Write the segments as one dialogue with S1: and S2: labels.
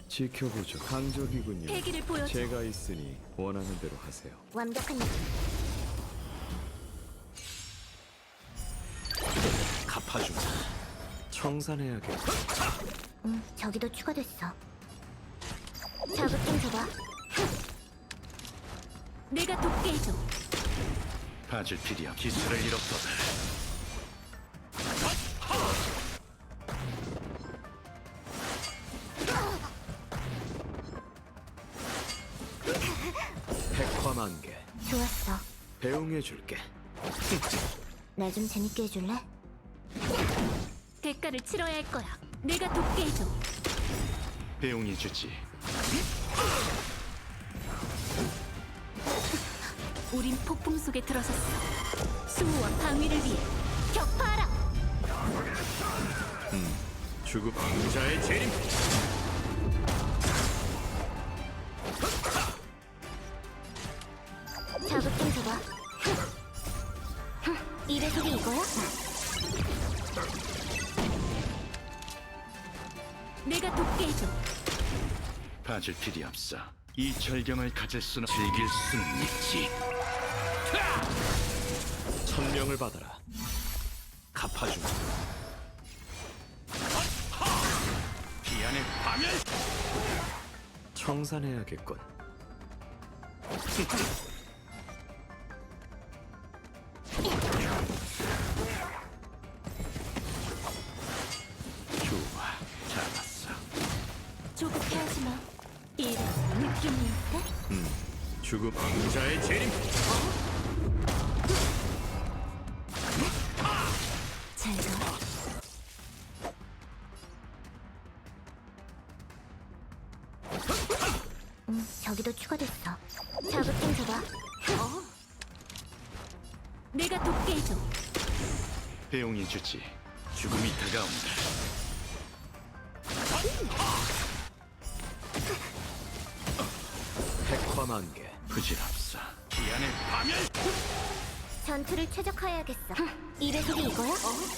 S1: 지켜보죠. 강적이군요.
S2: 패기를 보여줘.
S1: 제가 있으니 원하는 대로 하세요.
S2: 완벽한 느낌.
S1: 갚아주마. 청산해야겠다.
S2: 저기도 추가됐어. 자극 좀 줘봐. 내가 돕게 해줘.
S3: 봐줄 필요 기술을 잃었거든.
S1: 백화만개.
S2: 좋았어.
S1: 배웅해줄게.
S2: 나 좀 재밌게 해줄래? 대가를 치러야 할 거야. 내가 돕게 해줘.
S3: 배웅이 주지.
S2: 우린 폭풍 속에 들어섰어. 수호와 방위를 위해 격파하라.
S1: 주급 왕자의 재림.
S2: 자극 좀 줘봐. 이 배속이 이거야? 내가 돕게 해줘.
S3: 봐줄 필요 없어. 이 절경을 가질 수는 즐길 수는 있지.
S1: 천명을 받아라. 갚아주마.
S3: 비안의 파멸.
S1: 청산해야겠군.
S3: 좋아, 잡았어.
S2: 조급해 하지 마. 이런 느낌이 있대?
S1: 주급 왕자의 재림.
S2: 잘 가. 저기도 추가됐어. 자극 좀 줘봐. 내가 돕게 해줘.
S3: 배웅이 주지. 죽음이 다가온다.
S1: 백화만개.
S3: 부질없어. 비안의 파멸.
S2: 전투를 최적화해야겠어. 이 배속이 이거야?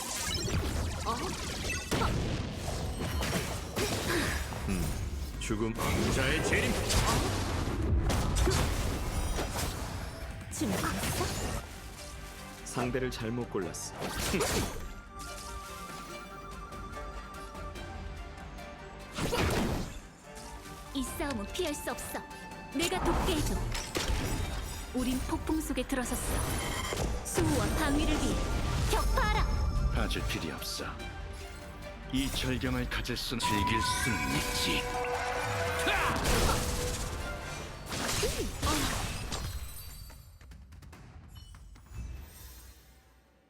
S1: 죽음 왕자의 재림.
S2: 준비됐어?
S1: 상대를 잘못 골랐어.
S2: 이 싸움은 피할 수 없어. 내가 돕게 해줘. 우린 폭풍 속에 들어섰어. 수호와 방위를 위해 격파하라.
S3: 봐줄 필요 없어. 이 절경을 가질 수는 즐길 수는 있지.